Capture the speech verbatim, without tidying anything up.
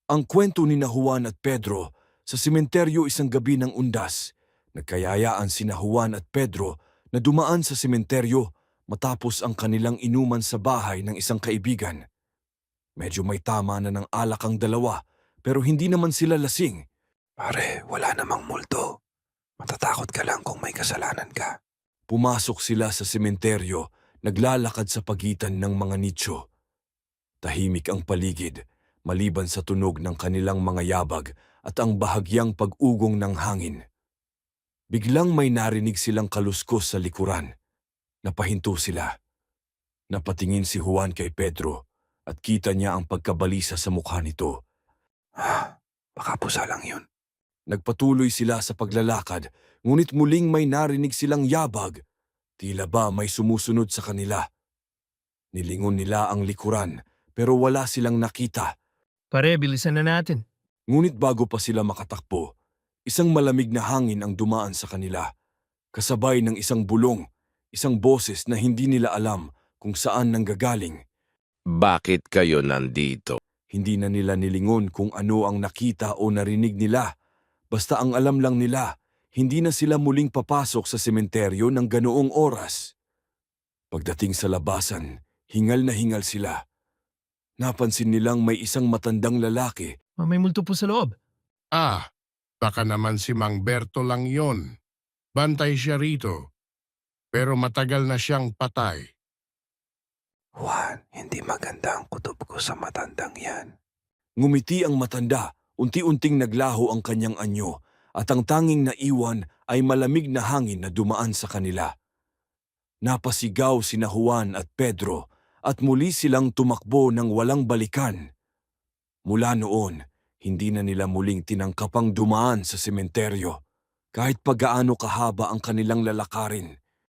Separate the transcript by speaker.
Speaker 1: Ang kwento ni na Juan at Pedro sa sementeryo isang gabi ng undas. Nagkayayaan sina Juan at Pedro na dumaan sa sementeryo matapos ang kanilang inuman sa bahay ng isang kaibigan. Medyo may tama na ng alak ang dalawa pero hindi naman sila lasing.
Speaker 2: Pare, wala namang multo. Matatakot ka lang kung may kasalanan ka.
Speaker 1: Pumasok sila sa sementeryo, naglalakad sa pagitan ng mga nicho. Tahimik ang paligid, maliban sa tunog ng kanilang mga yabag at ang bahagyang pag-ugong ng hangin. Biglang may narinig silang kaluskos sa likuran. Napahinto sila. Napatingin si Juan kay Pedro at kita niya ang pagkabalisa sa mukha nito.
Speaker 2: Ah, baka pusa lang yun.
Speaker 1: Nagpatuloy sila sa paglalakad, ngunit muling may narinig silang yabag. Tila ba may sumusunod sa kanila. Nilingon nila ang likuran, pero wala silang nakita.
Speaker 3: Pare, bilisan na natin.
Speaker 1: Ngunit bago pa sila makatakbo, isang malamig na hangin ang dumaan sa kanila. Kasabay ng isang bulong, isang boses na hindi nila alam kung saan nanggagaling.
Speaker 4: Bakit kayo nandito?
Speaker 1: Hindi na nila nilingon kung ano ang nakita o narinig nila. Basta ang alam lang nila, hindi na sila muling papasok sa sementeryo ng ganoong oras. Pagdating sa labasan, hingal na hingal sila. Napansin nilang may isang matandang lalaki.
Speaker 3: Ah, May multo po sa loob.
Speaker 5: Ah, baka naman si Mang Berto lang yon. Bantay siya rito. Pero matagal na siyang patay.
Speaker 2: Juan, hindi maganda ang kutob ko sa matandang yan.
Speaker 1: Ngumiti ang matanda, unti-unting naglaho ang kanyang anyo at ang tanging naiwan ay malamig na hangin na dumaan sa kanila. Napasigaw sina Juan at Pedro at muli silang tumakbo ng walang balikan. Mula noon, hindi na nila muling tinangkapang dumaan sa sementeryo. Kahit pagaano kahaba ang kanilang lalakarin,